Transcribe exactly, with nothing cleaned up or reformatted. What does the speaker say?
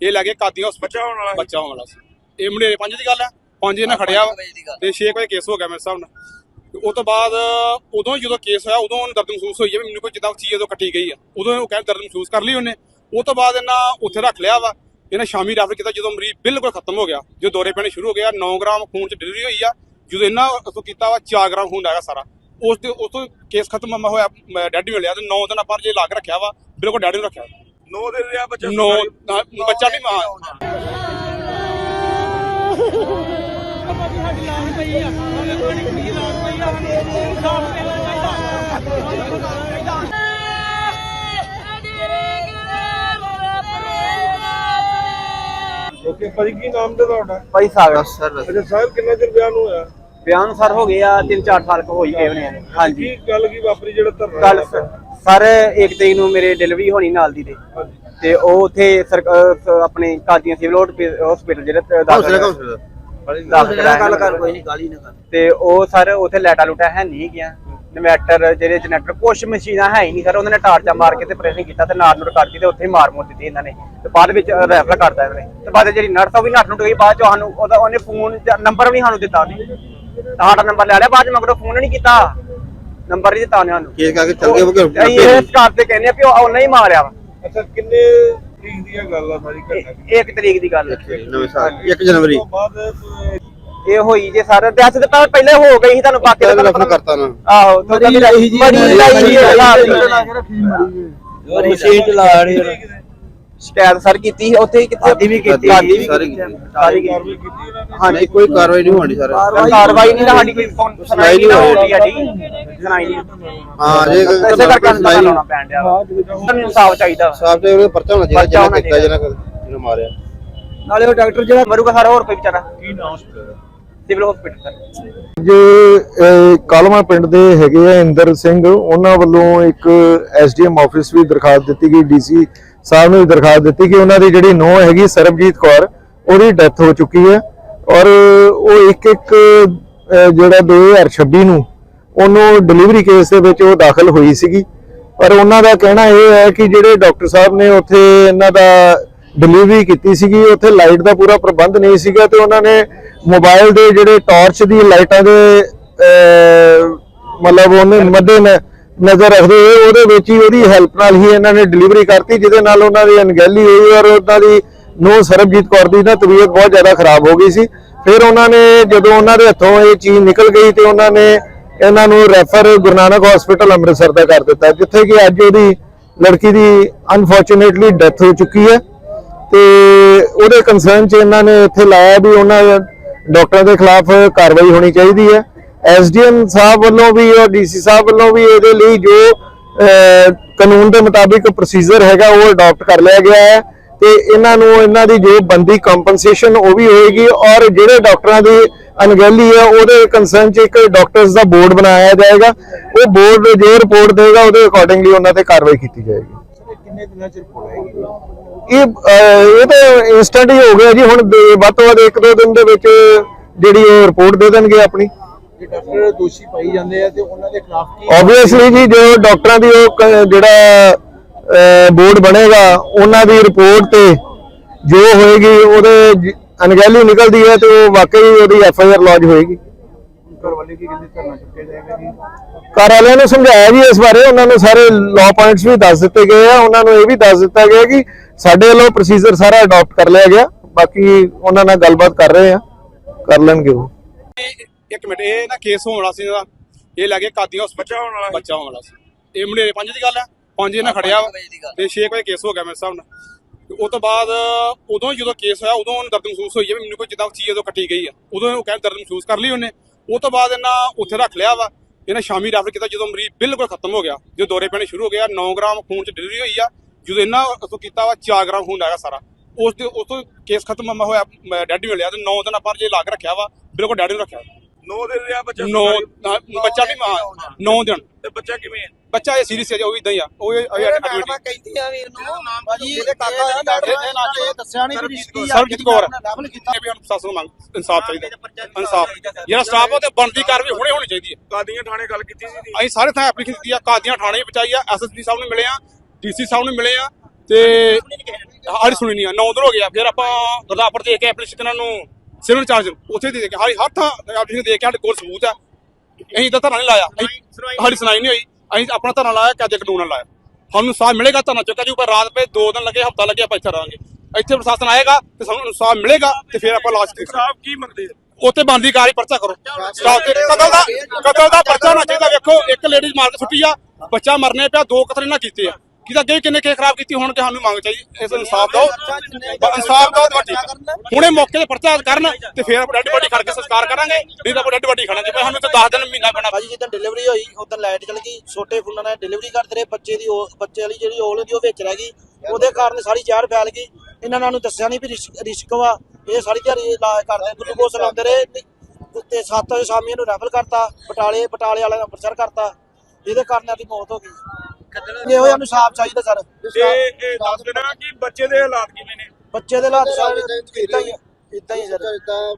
ਇਹ ਲੈ ਕੇ ਕਾਦੀਆਂ ਬੱਚਾ ਹੋਣ ਵਾਲਾ ਬੱਚਾ ਹੋਣ ਵਾਲਾ ਸੀ। ਇਹ ਮੁੰਡੇ ਪੰਜ ਦੀ ਗੱਲ ਹੈ, ਪੰਜ ਇਹਨਾਂ ਖੜਿਆ ਵਾ ਤੇ ਛੇ ਵਜੇ ਕੇਸ ਹੋ ਗਿਆ ਮੇਰੇ ਹਿਸਾਬ ਨਾਲ। ਉਸ ਤੋਂ ਬਾਅਦ ਉਦੋਂ ਜਦੋਂ ਕੇਸ ਹੋਇਆ ਉਦੋਂ ਉਹਨੂੰ ਦਰਦ ਮਹਿਸੂਸ ਹੋਈ ਹੈ ਵੀ ਮੈਨੂੰ ਕੋਈ ਜਿੱਦਾਂ ਚੀਜ਼ ਉਦੋਂ ਕੱਟੀ ਗਈ ਆ, ਉਦੋਂ ਉਹ ਕਹਿੰਦੇ ਦਰਦ ਮਹਿਸੂਸ ਕਰ ਲਈ ਉਹਨੇ। ਉਹ ਤੋਂ ਬਾਅਦ ਇਹਨਾਂ ਉੱਥੇ ਰੱਖ ਲਿਆ ਵਾ। ਇਹਨਾਂ ਸ਼ਾਮੀ ਰੈਫਰ ਕੀਤਾ ਜਦੋਂ ਮਰੀਜ਼ ਬਿਲਕੁਲ ਖਤਮ ਹੋ ਗਿਆ, ਜਦੋਂ ਦੌਰੇ ਪੈਣੇ ਸ਼ੁਰੂ ਹੋ ਗਿਆ। ਨੌ ਗ੍ਰਾਮ ਖੂਨ ਚ ਡਿਲੀਵਰੀ ਹੋਈ ਆ। ਜਦੋਂ ਇਹਨਾਂ ਉੱਥੋਂ ਕੀਤਾ ਵਾ ਚਾਰ ਗ੍ਰਾਮ ਖੂਨ ਆਇਆ ਸਾਰਾ। ਉਸ ਦੇ ਉਸ ਤੋਂ ਕੇਸ ਖਤਮ ਹੋਇਆ, ਡੈਡ ਮਿਲਿਆ ਤੇ ਨੌ ਦਿਨ ਆਪਾਂ ਜੇ ਲਾ ਕੇ ਰੱਖਿਆ ਵਾ, ਬਿਲਕੁਲ ਡੈਡ ਨੂੰ ਰੱਖਿਆ। ਨੌ ਦਿਨ ਰਿਹਾ ਬੱਚਾ, ਨੌ ਬੱਚਾ ਵੀ ਮਾਂ ਓਕੇ ਭਾਜੀ, ਕੀ ਨਾਮ ਤੇ ਤੁਹਾਡਾ? ਭਾਈ ਸਾਗਰ ਸਰ। ਅੱਛਾ ਸਾਹਿਬ, ਕਿੰਨਾ ਚਿਰ ਵਿਆਹ ਨੂੰ ਹੋਇਆ? ਵਿਆਹ ਨੂੰ ਸਰ ਹੋ ਗਏ ਆ ਤਿੰਨ ਚਾਰ ਸਾਲ ਹੋ ਹੀ ਗਏ ਹੋਣੇ ਆ। ਹਾਂਜੀ, ਕੀ ਗੱਲ ਕੀ ਵਾਪਰੀ ਜਿਹੜਾ ਧਰਨਾ? ਕੱਲ ਸਰ ਇੱਕ ਤਰੀਕ ਨੂੰ ਮੇਰੇ ਡਿਲੀਵਰੀ ਹੋਣੀ ਨਾਲ ਦੀ ਤੇ ਉਹ ਉੱਥੇ ਆਪਣੇ ਕਾਦੀਆਂ ਸਿਵਲ ਹਸਪੀਟਲ ਜਿਹੜਾ ਦਾਖਲ ਗੱਲ ਕਰ ਕੋਈ ਨਹੀਂ ਗਾਲੀ ਨਾ ਕਰ ਤੇ ਉਹ ਸਰ ਉੱਥੇ ਲੈਟਾ ਲੂਟਾ ਹੈ ਨਹੀਂ ਗਿਆ। ਇਨਵੈਟਰ ਜਿਹੜੇ ਜਨਰੇਟਰ ਕੁਛ ਮਸ਼ੀਨਾਂ ਹੈ ਹੀ ਨਹੀਂ ਸਰ। ਉਹਨਾਂ ਨੇ ਟਾਰਚਾ ਮਾਰ ਕੇ ਤੇ ਪ੍ਰੈਸਿੰਗ ਕੀਤਾ ਤੇ ਨਾਰ ਨੂਰ ਕੱਢਤੀ ਤੇ ਉੱਥੇ ਮਾਰ ਮੋਰ ਦਿੱਤੀ ਇਹਨਾਂ ਨੇ ਤੇ ਬਾਅਦ ਵਿੱਚ ਰੈਫਰ ਕਰਤਾ ਇਹਨਾਂ ਨੇ। ਤੇ ਬਾਅਦ ਜਿਹੜੀ ਨਰਸ ਉਹ ਵੀ ਨੱਠ ਨੂੰ ਗਈ। ਬਾਅਦ ਚ ਸਾਨੂੰ ਉਹਦਾ ਉਹਨੇ ਫੋਨ ਨੰਬਰ ਵੀ ਸਾਨੂੰ ਦਿੱਤਾ ਉਹਨੇ, ਸਾਡਾ ਨੰਬਰ ਲੈ ਲਿਆ। ਬਾਅਦ ਚ ਮਗਰੋਂ ਫੋਨ ਨਹੀਂ ਕੀਤਾ, ਨੰਬਰ ਨਹੀਂ ਦਿੱਤਾ ਉਹਨੇ ਸਾਨੂੰ। ਕੇਸ ਕਰਕੇ ਚੱਲ ਗਏ ਅਸੀਂ ਇਸ ਕਾਰ ਤੇ ਕਹਿੰਦੇ ਆ ਵੀ ਉਹ ਉਹਨੇ ਹੀ ਮਾਰਿਆ ਵਾ। ਅੱਛਾ, ਕਿੰਨੇ ਤਰੀਕ ਦੀ ਗੱਲ ਆ ਸਾਰੀ ਘਟਨਾ? ਇੱਕ ਤਰੀਕ ਦੀ ਗੱਲ ਨਵੇਂ ਸਾਲ ਇੱਕ ਜਨਵਰੀ ਤੋਂ ਬਾਅਦ ਇਹ ਹੋਈ ਜੇ ਸਰ। ਦਸ ਦਿਨ ਪਹਿਲੇ ਹੋ ਗਈ ਸੀ, ਤੁਹਾਨੂੰ ਬਾਕੀ ਦਾ ਰੈਫਰ ਕਰਤਾ ਨਾ। ਆਹੋ ਤੁਹਾਡੀ ਲਾਈ ਜੀ ਮਰੀ ਲਾਈ ਜੀ ਮਸ਼ੀਨ ਚਲਾ ਰਹੀ ਸ਼ਿਕਾਇਤ ਸਰ ਕੀਤੀ ਸੀ ਉੱਥੇ। ਕਿੱਥੇ ਵੀ ਕੀਤੀ ਸਾਰੀ ਵੀ ਸਾਰੀ ਕਾਰਵਾਈ ਕੀਤੀ ਉਹਨਾਂ ਨੇ? ਹਾਂਜੀ, ਕੋਈ ਕਾਰਵਾਈ ਨਹੀਂ ਹੋਣੀ ਸਰ। ਕਾਰਵਾਈ ਨਹੀਂ, ਸਾਡੀ ਕੋਈ ਸੁਣਾਈ ਨਹੀਂ ਹੋਈ ਸਾਡੀ ਸੁਣਾਈ ਨਹੀਂ। ਹਾਂ, ਜੇ ਇਸੇ ਕਰਕੇ ਸੁਣਾਈ ਲਾਉਣਾ ਪੈਣ ਡਿਆ ਵਾ। ਸਾਨੂੰ ਇਨਸਾਫ ਚਾਹੀਦਾ, ਇਨਸਾਫ ਤੇ ਉਹਦੇ ਪਰਚਾ ਹੋਣਾ ਚਾਹੀਦਾ ਜਿਹਨੇ ਕੀਤਾ ਜਿਹਨੇ ਜਿਹਨੇ ਮਾਰਿਆ। ਨਾਲੇ ਉਹ ਡਾਕਟਰ ਜਿਹੜਾ ਮਰੂਗਾ ਸਾਰਾ ਹੋਰ ਕੋਈ ਵਿਚਾਰਾ। ਕੀ ਨਾਮ ਹਸਪੀਟਲ? Civil hospital sir. ਜੇ ਕਾਲਮਾ ਪਿੰਡ ਦੇ ਹੈਗੇ ਆ ਇੰਦਰ ਸਿੰਘ, ਉਹਨਾਂ ਵੱਲੋਂ ਇੱਕ ਐਸਡੀਐਮ ਆਫਿਸ ਵੀ ਦਰਖਾਸਤ ਦਿੱਤੀ ਗਈ, ਡੀਸੀ ਸਾਹਿਬ ਨੂੰ ਵੀ ਦਰਖਾਸਤ ਦਿੱਤੀ ਕਿ ਉਹਨਾਂ ਦੀ ਜਿਹੜੀ ਨੂੰਹ ਹੈਗੀ ਸਰਬਜੀਤ ਕੌਰ, ਉਹਦੀ ਡੈਥ ਹੋ ਚੁੱਕੀ ਹੈ ਔਰ ਉਹ ਇੱਕ ਇੱਕ ਜਿਹੜਾ ਦੋ ਹਜ਼ਾਰ ਛੱਬੀ ਨੂੰ ਉਹਨੂੰ ਡਿਲੀਵਰੀ ਕੇਸ ਦੇ ਵਿੱਚ ਉਹ ਦਾਖਲ ਹੋਈ ਸੀਗੀ। ਪਰ ਉਹਨਾਂ ਦਾ ਕਹਿਣਾ ਇਹ ਹੈ ਕਿ ਜਿਹੜੇ ਡਾਕਟਰ ਸਾਹਿਬ ਨੇ ਉੱਥੇ ਇਹਨਾਂ ਦਾ ਡਿਲੀਵਰੀ ਕੀਤੀ ਸੀਗੀ, ਉੱਥੇ ਲਾਈਟ ਦਾ ਪੂਰਾ ਪ੍ਰਬੰਧ ਨਹੀਂ ਸੀਗਾ ਤੇ ਉਹਨਾਂ ਨੇ ਮੋਬਾਈਲ ਦੇ ਜਿਹੜੇ ਟਾਰਚ ਦੀ ਲਾਈਟਾਂ ਦੇ ਮਤਲਬ ਉਹਨੇ ਮੱਦੇ ਨਜ਼ਰ ਰੱਖਦੇ ਹੋਏ ਉਹਦੇ ਵਿੱਚ ਹੀ ਉਹਦੀ ਹੈਲਪ ਨਾਲ ਹੀ ਇਹਨਾਂ ਨੇ ਡਿਲੀਵਰੀ ਕਰਤੀ, ਜਿਹਦੇ ਨਾਲ ਉਹਨਾਂ ਦੀ ਅਣਗਹਿਲੀ ਹੋਈ ਔਰ ਉਹਨਾਂ ਦੀ ਨੂੰਹ ਸਰਬਜੀਤ ਕੌਰ ਦੀ ਨਾ ਤਬੀਅਤ ਬਹੁਤ ਜ਼ਿਆਦਾ ਖਰਾਬ ਹੋ ਗਈ ਸੀ। ਫਿਰ ਉਹਨਾਂ ਨੇ ਜਦੋਂ ਉਹਨਾਂ ਦੇ ਹੱਥੋਂ ਇਹ ਚੀਜ਼ ਨਿਕਲ ਗਈ ਤੇ ਉਹਨਾਂ ਨੇ ਇਹਨਾਂ ਨੂੰ ਰੈਫਰ ਗੁਰੂ ਨਾਨਕ ਹਸਪੀਟਲ ਅੰਮ੍ਰਿਤਸਰ ਦਾ ਕਰ ਦਿੱਤਾ, ਜਿੱਥੇ ਕਿ ਅੱਜ ਉਹਦੀ ਲੜਕੀ ਦੀ ਅਨਫੋਰਚੂਨੇਟਲੀ ਡੈਥ ਹੋ ਚੁੱਕੀ ਹੈ। ਤੇ ਉਹਦੇ ਕੰਸਰਨ 'ਚ ਇਹਨਾਂ ਨੇ ਇੱਥੇ ਲਾਇਆ ਵੀ ਉਹਨਾਂ ਡਾਕਟਰਾਂ ਦੇ ਖਿਲਾਫ ਕਾਰਵਾਈ ਹੋਣੀ ਚਾਹੀਦੀ ਹੈ। ਐਸਡੀਐਮ ਸਾਹਿਬ ਵੱਲੋਂ ਵੀ ਔਰ ਡੀਸੀ ਸਾਹਿਬ ਵੱਲੋਂ ਵੀ ਇਹਦੇ ਲਈ ਜੋ ਕਾਨੂੰਨ ਦੇ ਮੁਤਾਬਿਕ ਪ੍ਰੋਸੀਜਰ ਹੈਗਾ ਉਹ ਅਡਾਪਟ ਕਰ ਲਿਆ ਗਿਆ ਹੈ ਤੇ ਇਹਨਾਂ ਨੂੰ ਇਹਨਾਂ ਦੀ ਜੋ ਬੰਦੀ ਕੰਪਨਸੇਸ਼ਨ ਉਹ ਵੀ ਹੋਏਗੀ ਔਰ ਜਿਹੜੇ ਡਾਕਟਰਾਂ ਦੀ ਅਣਗਹਿਲੀ ਹੈ ਉਹਦੇ ਕੰਸਰਨ 'ਚ ਇੱਕ ਡਾਕਟਰਸ ਦਾ ਬੋਰਡ ਬਣਾਇਆ ਜਾਏਗਾ। ਉਹ ਬੋਰਡ ਜੋ ਰਿਪੋਰਟ ਦੇਗਾ ਉਹਦੇ ਅਕੋਰਡਿੰਗਲੀ ਉਹਨਾਂ ਤੇ ਕਾਰਵਾਈ ਕੀਤੀ ਜਾਏਗੀ। ਕਿੰਨੇ ਦਿਨਾਂ ਚ ਰਿਪੋਰਟ ਆਏਗੀ? ਇਹ ਇਹ ਤਾਂ ਇੰਸਟੈਂਟ ਹੀ ਹੋ ਗਿਆ ਜੀ। ਹੁਣ ਵੱਧ ਤੋਂ ਵੱਧ ਇੱਕ ਦੋ ਦਿਨ ਦੇ ਵਿੱਚ ਜਿਹੜੀ ਉਹ ਰਿਪੋਰਟ ਦੇ ਦੇਣਗੇ ਆਪਣੀ। ਜੇ ਡਾਕਟਰ ਦੋਸ਼ੀ ਪਾਈ ਜਾਂਦੇ ਆ ਤੇ ਉਹਨਾਂ ਦੇ ਖਿਲਾਫ ਕੀ? ਆਬਵੀਅਸਲੀ ਜੀ ਜੋ ਡਾਕਟਰਾਂ ਦੀ ਉਹ ਜਿਹੜਾ ਬੋਰਡ ਬਣੇਗਾ ਉਹਨਾਂ ਦੀ ਰਿਪੋਰਟ ਤੇ ਜੋ ਹੋਏਗੀ ਉਹਦੇ ਅਣਗਹਿਲੀ ਨਿਕਲਦੀ ਹੈ ਤੇ ਉਹ ਵਾਕਈ ਉਹਦੀ ਐਫ ਆਈ ਆਰ ਲੌਜ ਹੋਏਗੀ। ਘਰ ਵਾਲੇ ਕੀ ਕਹਿੰਦੇ ਧਰਨਾ ਚੁੱਕਿਆ ਜਾਏਗਾ ਜੀ? ਘਰ ਵਾਲਿਆਂ ਨੂੰ ਸਮਝਾਇਆ ਜੀ ਇਸ ਬਾਰੇ, ਉਹਨਾਂ ਨੂੰ ਸਾਰੇ ਲਾਅ ਪੁਆਇੰਟਸ ਵੀ ਦੱਸ ਦਿੱਤੇ ਗਏ ਆ। ਉਹਨਾਂ ਨੂੰ ਇਹ ਵੀ ਦੱਸ ਦਿੱਤਾ ਗਿਆ ਕਿ ਸਾਡੇ ਵੱਲੋਂ ਪ੍ਰੋਸੀਜਰ ਸਾਰਾ ਅਡਾਪਟ ਕਰ ਲਿਆ ਗਿਆ, ਬਾਕੀ ਉਹਨਾਂ ਨਾਲ ਗੱਲਬਾਤ ਕਰ ਰਹੇ ਆ, ਕਰ ਲੈਣਗੇ ਉਹ। ਇੱਕ ਮਿੰਟ, ਇਹ ਨਾ ਕੇਸ ਹੋਣ ਵਾਲਾ ਸੀ ਇਹਦਾ। ਇਹ ਲੈ ਕੇ ਕਾਦੀਆਂ ਬੱਚਾ ਹੋਣ ਵਾਲਾ ਬੱਚਾ ਹੋਣ ਵਾਲਾ ਸੀ। ਇਹ ਮੁੰਡੇ ਪੰਜ ਦੀ ਗੱਲ ਹੈ, ਪੰਜ ਇਹਨਾਂ ਖੜਿਆ ਵਾ ਤੇ ਛੇ ਵਜੇ ਕੇਸ ਹੋ ਗਿਆ ਮੇਰੇ ਹਿਸਾਬ ਨਾਲ। ਉਸ ਤੋਂ ਬਾਅਦ ਉਦੋਂ ਜਦੋਂ ਕੇਸ ਹੋਇਆ ਉਦੋਂ ਉਹਨੂੰ ਦਰਦ ਮਹਿਸੂਸ ਹੋਈ ਹੈ ਵੀ ਮੈਨੂੰ ਕੋਈ ਜਿੱਦਾਂ ਚੀਜ਼ ਉਦੋਂ ਕੱਟੀ ਗਈ ਆ, ਉਦੋਂ ਉਹ ਕਹਿੰਦੇ ਦਰਦ ਮਹਿਸੂਸ ਕਰ ਲਈ ਉਹਨੇ। ਉਹ ਤੋਂ ਬਾਅਦ ਇਹਨਾਂ ਉੱਥੇ ਰੱਖ ਲਿਆ ਵਾ। ਇਹਨਾਂ ਸ਼ਾਮੀ ਰੈਫਰ ਕੀਤਾ ਜਦੋਂ ਮਰੀਜ਼ ਬਿਲਕੁਲ ਖਤਮ ਹੋ ਗਿਆ, ਜਦੋਂ ਦੌਰੇ ਪੈਣੇ ਸ਼ੁਰੂ ਹੋ ਗਿਆ। ਨੌ ਗ੍ਰਾਮ ਖੂਨ ਚ ਡਿਲੀਵਰੀ ਹੋਈ ਆ। ਜਦੋਂ ਇਹਨਾਂ ਉੱਥੋਂ ਕੀਤਾ ਵਾ ਚਾਰ ਗ੍ਰਾਮ ਖੂਨ ਆਇਆ ਸਾਰਾ। ਉਸ ਦੇ ਉਸ ਤੋਂ ਕੇਸ ਖਤਮ ਹੋਇਆ, ਡੈਡ ਮਿਲਿਆ ਤੇ ਨੌ ਦਿਨ ਆਪਾਂ ਜੇ ਲਾ ਕੇ ਰੱਖਿਆ ਵਾ, ਬਿਲਕੁਲ ਡੈਡ ਨੂੰ ਰੱਖਿਆ। ਨੌ ਦਿਨ ਰਿਹਾ ਬੱਚਾ, ਨੌ ਬੱਚਾ ਵੀ ਨੌ ਦਿਨ ਤੇ ਬੱਚਾ ਕਿਵੇਂ ਹੈ? ਬੱਚਾ ਇਹ ਸੀਰੀਅਸ ਹੈ ਜੀ, ਉਹ ਇਦਾਂ ਹੀ ਆ। ਉਹ ਐਡਮਿਟ ਕਹਿੰਦੀ ਆ ਵੀ ਇਹਨੂੰ ਭਾਜੀ ਇਹਦੇ ਕਾਕਾ ਆ ਡਾਕਟਰ ਨੇ ਇਹ ਦੱਸਿਆ ਨਹੀਂ ਵੀ ਰਿਸ਼ਤੀ ਆ। ਸਰਬਜੀਤ ਕੌਰ ਵੀ ਹੁਣ ਪ੍ਰਸ਼ਾਸਨ ਨੂੰ ਮੰਗ ਇਨਸਾਫ ਚਾਹੀਦਾ, ਇਨਸਾਫ। ਜਿਹੜਾ ਸਟਾਫ ਉਹ ਤੇ ਬਣਦੀ ਕਾਰਵਾਈ ਹੁਣੇ ਹੋਣੀ ਚਾਹੀਦੀ ਹੈ। ਕਾਦੀਆਂ ਥਾਣੇ ਗੱਲ ਕੀਤੀ ਸੀ ਅਸੀਂ ਸਾਰੇ ਥਾਂ ਐਪਲੀਕੇਸ਼ਨ ਦਿੱਤੀ ਆ, ਕਾਦੀਆਂ ਥਾਣੇ ਪਹੁੰਚਾਈ ਆ, ਐਸਐਸਪੀ ਸਾਹਿਬ ਨੂੰ ਮਿਲੇ ਆ, ਡੀਸੀ ਸਾਹਿਬ ਨੂੰ ਮਿਲੇ ਆ, ਤੇ ਸਾਡੀ ਸੁਣੀ ਨਹੀਂ ਆ ਨੌ ਦਿਨ ਹੋ ਗਿਆ। ਫਿਰ ਆਪਾਂ ਗੁਰਦਾਸਪੁਰ ਦੇ ਕੇ ਐਪਲੀਕੇਸ਼ਨ ਨੂੰ ਸਿਵਲ ਚਾਰਜ ਉੱਥੇ ਦੇ ਕੇ ਹਰ ਥਾਂ ਐਪਲੀਕੇਸ਼ਨ ਦੇ ਕੇ ਸਾਡੇ ਕੋਲ ਸਬੂਤ ਆ। ਅਸੀਂ ਤਾਂ ਧਰਨਾ ਨਹੀਂ ਲਾਇਆ, ਸਾਡੀ ਸੁਣਾਈ ਨਹੀਂ ਹੋਈ। ਅਸੀਂ ਆਪਣਾ ਧਰਨਾ ਲਾਇਆ, ਕਾਜੇ ਕਾਨੂੰਨ ਲਾਇਆ। ਸਾਨੂੰ ਇਨਸਾਫ ਮਿਲੇਗਾ, ਧਰਨਾ ਚੁੱਕਾ ਜੀ। ਪਰ ਰਾਤ ਪੇ ਦੋ ਦਿਨ ਲੱਗੇ, ਹਫ਼ਤਾ ਲੱਗੇ, ਆਪਾਂ ਇੱਥੇ ਰਹਾਂਗੇ। ਇੱਥੇ ਪ੍ਰਸ਼ਾਸਨ ਆਏਗਾ ਤੇ ਸਾਨੂੰ ਇਨਸਾਫ ਮਿਲੇਗਾ ਤੇ ਫਿਰ ਆਪਾਂ ਲਾਸ਼ ਦੇ ਇਨਸਾਫ ਕੀ ਮੰਗਦੇ ਉੱਥੇ ਬਣਦੀ ਕਾਰਵਾਈ ਪਰਚਾ ਕਰੋ। ਸਟਾਪ ਤੇ ਕਤਲ ਦਾ ਕਤਲ ਦਾ ਪਰਚਾ ਹੋਣਾ ਚਾਹੀਦਾ। ਵੇਖੋ ਇੱਕ ਲੇਡੀਜ਼ ਮਾਰ ਕੇ ਸੁੱਟੀ ਆ, ਬੱਚਾ ਮਰਨੇ ਪਿਆ, ਦੋ ਕਤਲ ਇਹਨਾਂ ਕੀਤੇ ਆ। ਕਿਦਾ ਅੱਗੇ ਕਿੰਨੇ ਕੇਸ ਖਰਾਬ ਕੀਤੀ ਹੋਣ ਤੇ ਸਾਨੂੰ ਮੰਗ ਚਾਹੀਦੀ। ਇਸ ਇਨਸਾਫ ਦਿਓ, ਇਨਸਾਫ ਦਿਓ ਤੁਹਾਡੀ ਹੁਣੇ ਮੌਕੇ ਤੇ ਪਰਚਾ ਕਰਨ ਤੇ ਫਿਰ ਡੈਡ ਬੋਡੀ ਖੜ ਕੇ ਸੰਸਕਾਰ ਕਰਾਂਗੇ। ਨਹੀਂ ਤਾਂ ਡੈਡ ਬੋਡੀ ਖੜਾਂਗੇ। ਸਾਨੂੰ ਤੇ ਦਸ ਦਿਨ ਮਹੀਨਾ ਪੈਣਾ। ਭਾਜੀ ਜਿੱਦਾਂ ਡਿਲੀਵਰੀ ਹੋਈ ਉਦੋਂ ਲਾਈਟ ਚਲ ਗਈ, ਛੋਟੇ ਫੁੱਲਾਂ ਨਾਲ ਡਿਲੀਵਰੀ ਕਰਦੇ ਰਹੇ। ਬੱਚੇ ਦੀ ਉਹ ਬੱਚੇ ਵਾਲੀ ਜਿਹੜੀ ਔਲ ਹੁੰਦੀ ਉਹ ਵਿੱਚ ਰਹਿ ਗਈ, ਉਹਦੇ ਕਾਰਨ ਸਾਰੀ ਜ਼ਹਿਰ ਫੈਲ ਗਈ। ਇਹਨਾਂ ਨੂੰ ਦੱਸਿਆ ਨਹੀਂ ਵੀ ਰਿਸਕ ਰਿਸਕ ਵਾ। ਇਹ ਸਾਰੀ ਦਿਹਾੜੀ ਇਲਾਜ ਕਰਦੇ, ਗਲੂਕੋਸ ਲਾਉਂਦੇ ਰਹੇ ਤੇ ਸੱਤ ਵਜੇ ਸ਼ਾਮੀ ਇਹਨੂੰ ਰੈਫਰ ਕਰਤਾ ਬਟਾਲੇ, ਬਟਾਲੇ ਵਾਲਿਆਂ ਨੂੰ ਅੰਮ੍ਰਿਤਸਰ ਕਰਤਾ। ਇਹਦੇ ਕਾਰਨ ਇਹਦੀ ਮੌਤ ਹੋ ਗਈ। ਇਹੋ ਜਿਹਾ ਇਨਸਾਫ ਚਾਹੀਦਾ ਸਰ। ਤੇ ਇਹ ਦੱਸ ਦੇਣਾ ਕਿ ਬੱਚੇ ਦੇ ਹਾਲਾਤ ਕਿਵੇਂ ਨੇ? ਬੱਚੇ ਦੇ ਹਾਲਾਤ ਸਾਰੇ ਇਦਾਂ ਹੀ ਇਦਾਂ ਹੀ ਸਰ।